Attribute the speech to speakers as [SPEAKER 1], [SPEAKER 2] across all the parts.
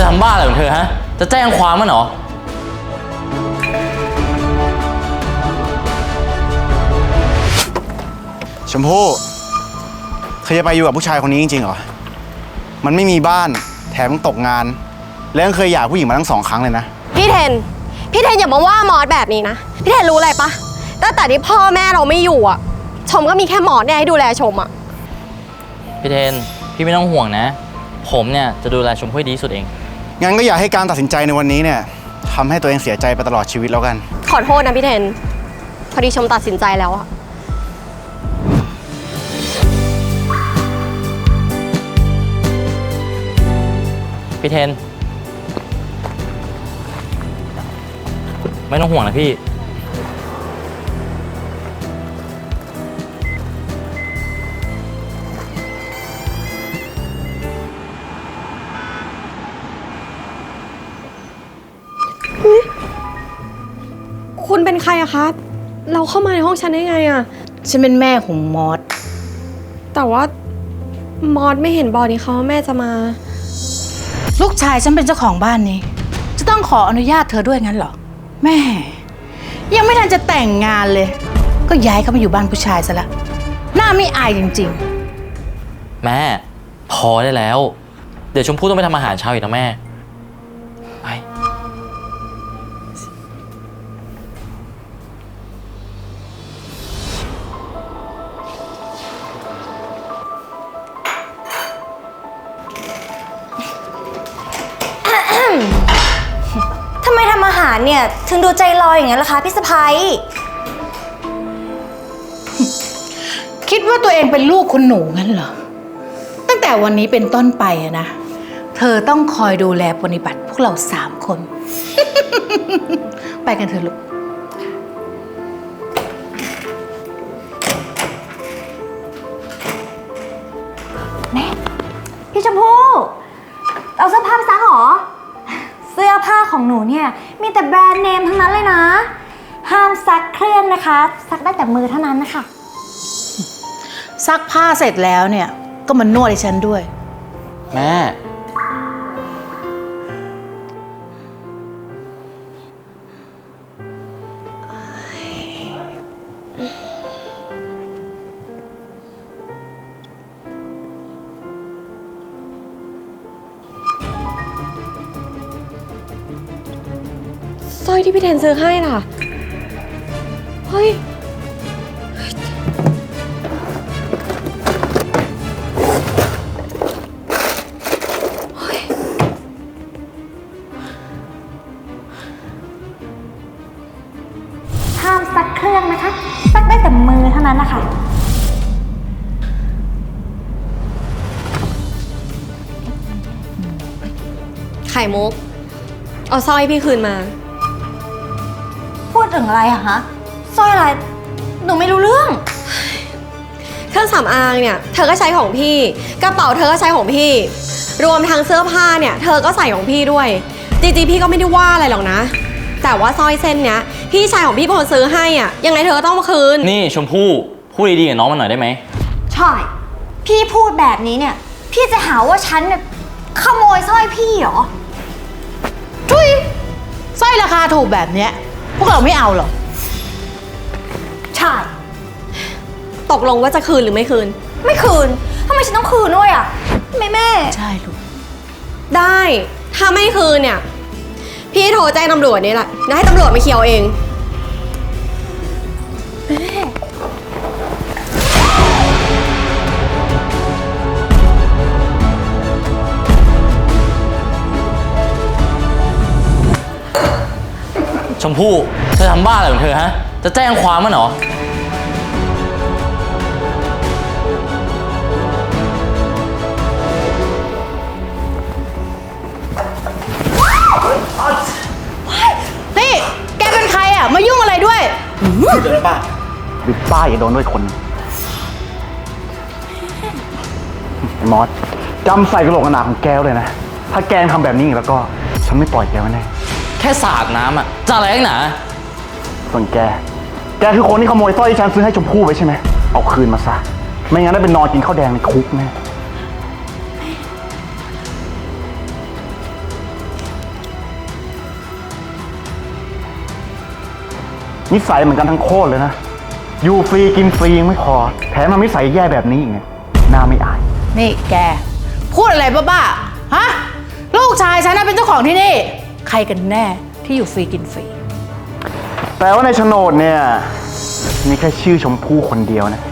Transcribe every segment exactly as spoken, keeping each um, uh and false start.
[SPEAKER 1] ทำบ้าอะไรของเธอฮะจะแจ้งความมั้ยเหรอ
[SPEAKER 2] ชมพู่เธอจะไปอยู่กับผู้ชายคนนี้จริงๆเหรอมันไม่มีบ้านแถมตกงานแล้วยังเคยหย่าผู้หญิงมาทั้งสองครั้งเลยนะ
[SPEAKER 3] พี่เทนพี่เทนอย่ามาว่ามอสแบบนี้นะพี่เทนรู้อะไรปะตั้งแต่ที่พ่อแม่เราไม่อยู่อ่ะชมก็มีแค่มอสเนี่ยให้ดูแลชมอ่ะ
[SPEAKER 1] พี่เทนพี่ไม่ต้องห่วงนะผมเนี่ยจะดูแลชมพู่ให้ดีที่สุดเอง
[SPEAKER 2] งั้นก็อย่าให้การตัดสินใจในวันนี้เนี่ยทำให้ตัวเองเสียใจไปตลอดชีวิตแล้วกัน
[SPEAKER 3] ขอโทษนะพี่เทนพอดีชมตัดสินใจแล้วอะ
[SPEAKER 1] พี่เทนไม่ต้องห่วงนะพี่
[SPEAKER 3] คุณเป็นใครอะคะเราเข้ามาในห้องฉันได้ไงอะ
[SPEAKER 4] ฉันเป็นแม่ของมอส
[SPEAKER 3] แต่ว่ามอสไม่เห็นบอกนี่เขาว่าแม่จะมา
[SPEAKER 4] ลูกชายฉันเป็นเจ้าของบ้านนี้จะต้องขออนุญาตเธอด้วยงั้นเหรอแม่ยังไม่ทันจะแต่งงานเลยก็ย้ายเขามาอยู่บ้านผู้ชายซะละหน้าไม่อายจริง
[SPEAKER 1] ๆแม่พอได้แล้วเดี๋ยวชมพู่ต้องไปทำอาหารเช้าอีกนะแม่ไป
[SPEAKER 5] ทำไมทำอาหารเนี่ยถึงดูใจลอยอย่างนั้นล่ะคะพี่สะพ้าย
[SPEAKER 4] คิดว่าตัวเองเป็นลูกคุณหนูงั้นเหรอตั้งแต่วันนี้เป็นต้นไปอะนะเธอต้องคอยดูแลปฏิบัติพวกเราสามคน ไปกันเถอะลูก
[SPEAKER 5] แม่พี่ชมพู่เอาเสื้อผ้าไปซักเหรอเสื้อผ้าของหนูเนี่ยมีแต่แบรนด์เนมทั้งนั้นเลยนะห้ามซักเครื่องนะคะซักได้แต่มือเท่านั้นนะคะ
[SPEAKER 4] ซักผ้าเสร็จแล้วเนี่ยก็มานวดให้ฉันด้วย
[SPEAKER 1] แม่
[SPEAKER 3] สร้อยที่พี่เทนซื้อให้ล่ะเฮ้ย
[SPEAKER 5] ห้ามซักเครื่องนะคะซักได้แต่มือเท่านั้นนะคะ
[SPEAKER 3] ไข่มุกเอาสร้อยพี่คืนมา
[SPEAKER 5] พูดถึงอะไรอะฮะสร้อยอะไรหนูไม่รู้เรื่อง
[SPEAKER 3] เครื่องสำอางเนี่ยเธอก็ใช้ของพี่กระเป๋าเธอก็ใช้ของพี่รวมทั้งเสื้อผ้าเนี่ยเธอก็ใส่ของพี่ด้วยจริงๆพี่ก็ไม่ได้ว่าอะไรหรอกนะแต่ว่าสร้อยเส้นเนี้ยพี่ชายของพี่เป็นคนซื้อให้อ่ะยังไงเธอก็ต้องมาคืน
[SPEAKER 1] นี่ชมพู่พูดดีๆกับน้องมันหน่อยได้ไหม
[SPEAKER 5] ใช่พี่พูดแบบนี้เนี่ยพี่จะหาว่าฉันเนี่ยขโมยสร้อยพี่เหรอ
[SPEAKER 4] ทุยสร้อยราคาถูกแบบเนี้ยพวกเราไม่เอาหรอก
[SPEAKER 5] ใช่
[SPEAKER 3] ตกลงว่าจะคืนหรือไม่คืน
[SPEAKER 5] ไม่คืนทำไมฉันต้องคืนด้วยอ่ะแม่แม่
[SPEAKER 4] ใช่ลูก
[SPEAKER 3] ได้ถ้าไม่คืนเนี่ยพี่โทรแจ้งตำรวจนี่แหละแล้วให้ตำรวจมาเคลียร์เอง
[SPEAKER 1] ชมพู่เธอทำบ้าอะไรของเธอฮะจะแจ้งความมั้ยเหรอ
[SPEAKER 4] นี่แกเป็นใครอ่ะมายุ่งอะไรด้วย
[SPEAKER 2] เดินป้าหรือป้าอย่าโดนด้วยคนไอ้มอสจำใส่กระโหลกกระหนาของแกเลยนะถ้าแกทำแบบนี้อีกแล้วก็ฉันไม่ปล่อยแกไว้แน่
[SPEAKER 1] แค่สาดน้ำอ่ะจะอะไรกันหนา
[SPEAKER 2] ส่วนแกแกคือคนที่ขโมยสร้อยที่ฉันซื้อให้ชมพู่ไปใช่ไหมเอาคืนมาซะไม่งั้นได้เป็นนอนกินข้าวแดงในคุกแน่นิสัยเหมือนกันทั้งโคตรเลยนะ อยู่ฟรีกินฟรียังไม่พอ แถมมานิสัยแย่แบบนี้อีกเนี่ยน่าไม่อาย
[SPEAKER 4] นี่แก พูดอะไรบ้าๆ ฮะ ลูกชายฉันน่ะเป็นเจ้าของที่นี่ ใครกันแน่ที่อยู่ฟรีกินฟรี
[SPEAKER 2] แต่ว่าในโฉนดเนี่ย มีแค่ชื่อชมพู่คนเดียวนะ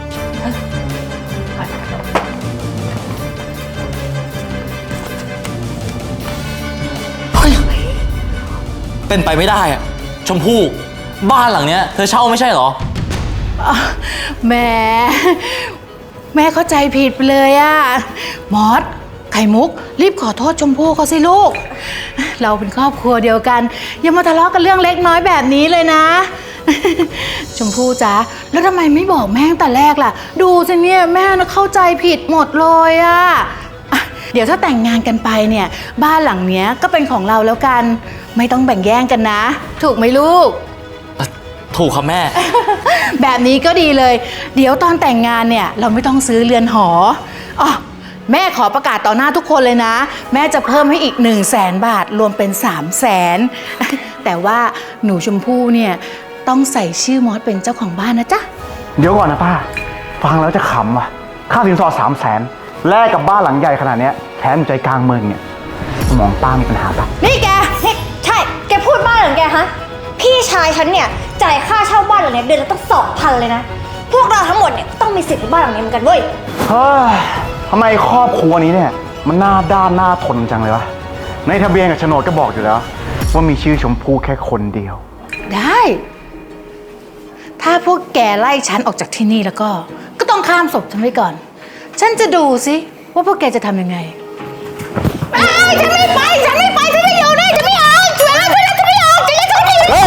[SPEAKER 1] เป็นไปไม่ได้อะชมพู่บ้านหลังเนี้ยเธอเช่าไม่ใช่เหรอ
[SPEAKER 4] แหม่แม่เข้าใจผิดไปเลยอะมอสไข่มุก รีบขอโทษชมพู่เขาสิลูก เราเป็นครอบครัวเดียวกัน อย่ามาทะเลาะกันเรื่องเล็กน้อยแบบนี้เลยนะ ชมพู่จ๊ะแล้วทำไมไม่บอกแม่ตั้งแต่แรกล่ะ ดูสิเนี่ยแม่น่ะเข้าใจผิดหมดเลยอะอ่ะเดี๋ยวถ้าแต่งงานกันไปเนี่ยบ้านหลังเนี้ยก็เป็นของเราแล้วกัน ไม่ต้องแบ่งแย่งกันนะ ถูกไหมลูก
[SPEAKER 1] ถูกครับแม่
[SPEAKER 4] แบบนี้ก็ดีเลย เดี๋ยวตอนแต่งงานเนี่ยเราไม่ต้องซื้อเรือนหออ๋อแม่ขอประกาศต่อหน้าทุกคนเลยนะ แม่จะเพิ่มให้อีกหนึ่งแสนบาทรวมเป็นสามแสนแต่ว่าหนูชมพู่เนี่ยต้องใส่ชื่อมอสเป็นเจ้าของบ้านนะจ๊ะ
[SPEAKER 2] เดี๋ยวก่อนนะป้า ฟังแล้วจะขำว่ะ ค่าสินสอดสามแสนแลกกับบ้านหลังใหญ่ขนาดเนี้ยแถมอยู่ใจกลางเมืองเนี่ยสมองป้ามีปัญหาปะ
[SPEAKER 5] นี่แกนี่ใช่ แกพูดบ้าเหรอแกฮะ พี่ชายฉันเนี่ยจ่ายค่าเช่าบ้านหลังเนี้ยเดือนละตั้งสองพันเลยนะ พวกเราทั้งหมดเนี่ยต้องมีสิทธิ์ในบ้านหลังนี้เหมือนกันเว้ย
[SPEAKER 2] เฮ้ยทำไมครอบครัวนี้เนี่ย มันหน้าด้านหน้าทนจังเลยวะ ในทะเบียนกับโฉนดก็บอกอยู่แล้ว ว่ามีชื่อชมพู่แค่คนเดียว
[SPEAKER 4] ได้ ถ้าพวกแกไล่ฉันออกจากที่นี่แล้วก็ ก็ต้องข้ามศพฉันไว้ก่อน ฉันจะดูสิว่าพวกแกจะทำยังไงไอ้ยฉันไม่ไป ฉันไม่ไป ฉันจะอยู่นี่ฉันไม่ออกช่วยแล้วช่วยแล้วฉันไม่ออกฉันจะฉันไม่อยู่
[SPEAKER 2] เฮ้ย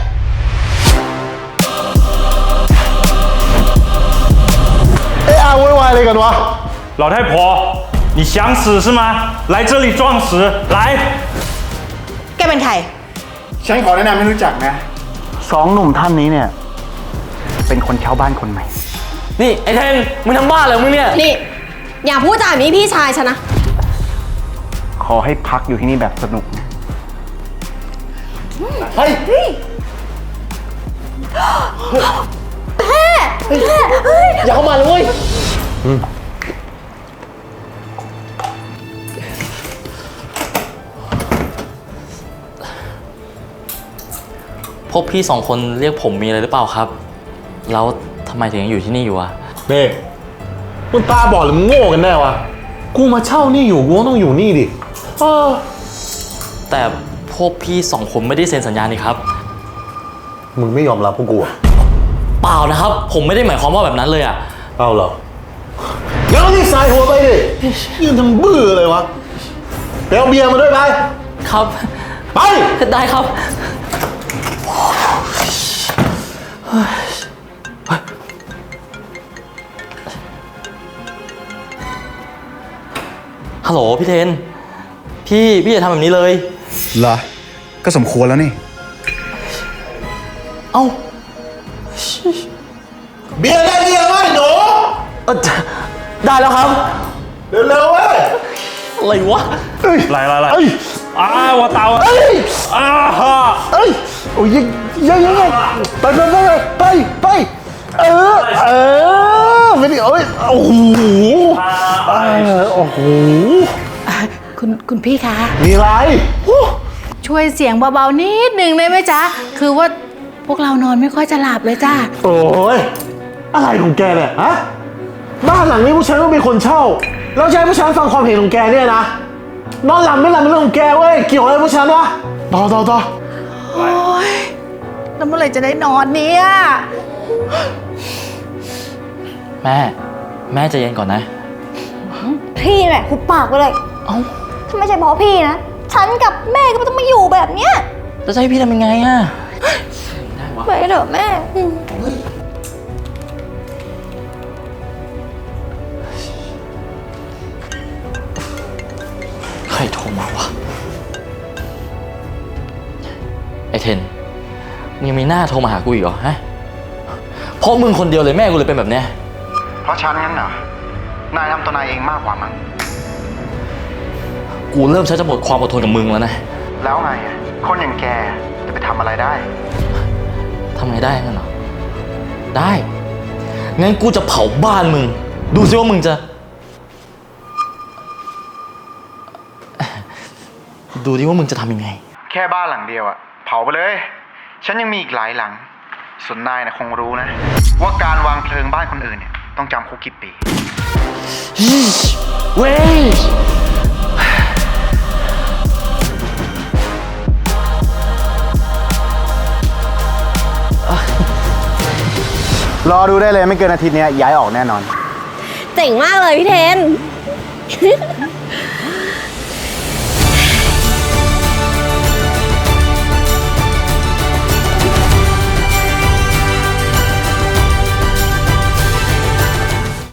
[SPEAKER 2] เอ๊ะอาโวยวายอะไรกันวะ
[SPEAKER 6] 老太婆，你想死是吗？来这里装死，来！
[SPEAKER 4] แกเป็นใคร
[SPEAKER 2] ฉันขอแนะนำให้รู้จักนะ สองหนุ่มท่านนี้เนี่ย เป็นคนเช่าบ้านคนใหม่
[SPEAKER 1] นี่ไอ้เทนมึงทำบ้าเหรอมึงเนี่ย
[SPEAKER 3] นี่ อย่าพูดจาแบบนี้พี่ชายฉันนะ
[SPEAKER 2] ขอให้พักอยู่ที่นี่แบบสนุกนะเฮ้ย
[SPEAKER 1] อย่าเข้ามาเลยเว้ยพวกพี่สองคนเรียกผมมีอะไรหรือเปล่าครับ แล้วทำไมถึงยังอยู่ที่นี่อยู่อะ
[SPEAKER 7] นี่มึงตาบอดหรือมึงโง่กันแน่วะ กูมาเช่านี่อยู่กูก็ต้องอยู่นี่ดิเออ
[SPEAKER 1] แต่พวกพี่สองคนไม่ได้เซ็นสัญญานี่ครับ
[SPEAKER 7] มึงไม่ยอมรับพวกกูอะ
[SPEAKER 1] เปล่านะครับ ผมไม่ได้หมายความว่าแบบนั้นเลยอะ
[SPEAKER 7] เอาเหรองั้นเอาที่สายหัวไปดิยืนทำบื้อเลยวะไปเอาเบียร์มาด้วยไป
[SPEAKER 1] ครับ
[SPEAKER 7] ไป
[SPEAKER 1] ได้ครับ ฮัลโหลพี่เทน พี่พี่อย่าทำแบบนี้เลย
[SPEAKER 2] เหรอ ก็สมควรแล้วนี่
[SPEAKER 1] เอ้า
[SPEAKER 7] เบียร์ได้เบียร์ไหมหนู
[SPEAKER 1] เอ่อได้แล้วครับ
[SPEAKER 7] เร็วๆเว้ย
[SPEAKER 1] อะไรวะ
[SPEAKER 6] 来来来，啊，我打我，啊哈！
[SPEAKER 2] เอ้ย โอ้ยยังยังยังไงไปไปไปไปไปเออ เออไม่ได้เอ้ย โอ้โหเออโอ้โห
[SPEAKER 4] อ่ะคุณคุณพี่คะ
[SPEAKER 2] มีอะไร
[SPEAKER 4] ช่วยเสียงเบาๆนิดนึงได้ไหมจ๊ะ คือว่าพวกเรานอนไม่ค่อยจะหลับเลยจ้า
[SPEAKER 7] โอ้ย อะไรของแกเนี่ย ฮะ บ้านหลังนี้ผู้ชายต้องเป็นคนเช่า แล้วจะให้ผู้ชายฟังความเห็นของแกเนี่ยนะ นอนหลับไม่หลับเป็นเรื่องของแกเว้ย เกี่ยวอะไรกับผู้ชายวะ ต่อต่อต่อ
[SPEAKER 4] โอ้ยแล้วเมื่อไหร่จะได้นอนเนี่ย
[SPEAKER 1] แม่ แม่ใจเย็นก่อนนะ
[SPEAKER 5] พี่แหละหุบปากไปเลย
[SPEAKER 1] เอ้า
[SPEAKER 5] ถ้าไม่ใช่เพราะพี่นะ ฉันกับแม่ก็ไม่ต้องมาอยู่แบบเนี้ย
[SPEAKER 1] แล้วจะให้พี่ทำยังไงอะ
[SPEAKER 5] ไปเถอะแม่
[SPEAKER 1] ใครโทรมาวะ ไอเทน มึงยังมีหน้าโทรมาหากูอีกเหรอฮะ เพราะมึงคนเดียวเลยแม่กูเลยเป็นแบบเนี้ย
[SPEAKER 2] เพราะฉันงั้นเหรอ นายทำตัวนายเองมากกว่ามั้ง
[SPEAKER 1] กูเริ่มใช้จะหมดความอดทนกับมึงแล้วนะ
[SPEAKER 2] แล้วไงอะคนอย่างแกจะไปทำอะไรได้
[SPEAKER 1] ททำไงได้งั้นเหรอ ได้ งั้นกูจะเผาบ้านมึง ดูซิว่ามึงจะ ดูดิว่ามึงจะทำยังไง
[SPEAKER 8] แค่บ้านหลังเดียวอะเผาไปเลย ฉันยังมีอีกหลายหลัง ส่วนนายนะคงรู้นะ ว่าการวางเพลิงบ้านคนอื่นเนี่ยต้องจำคุกกี่ปี
[SPEAKER 1] เว้ย
[SPEAKER 8] รอดูได้เลยไม่เกินอาทิตย์นี้ย้ายออกแน่นอน
[SPEAKER 3] เจ๋งมากเลยพี่เทน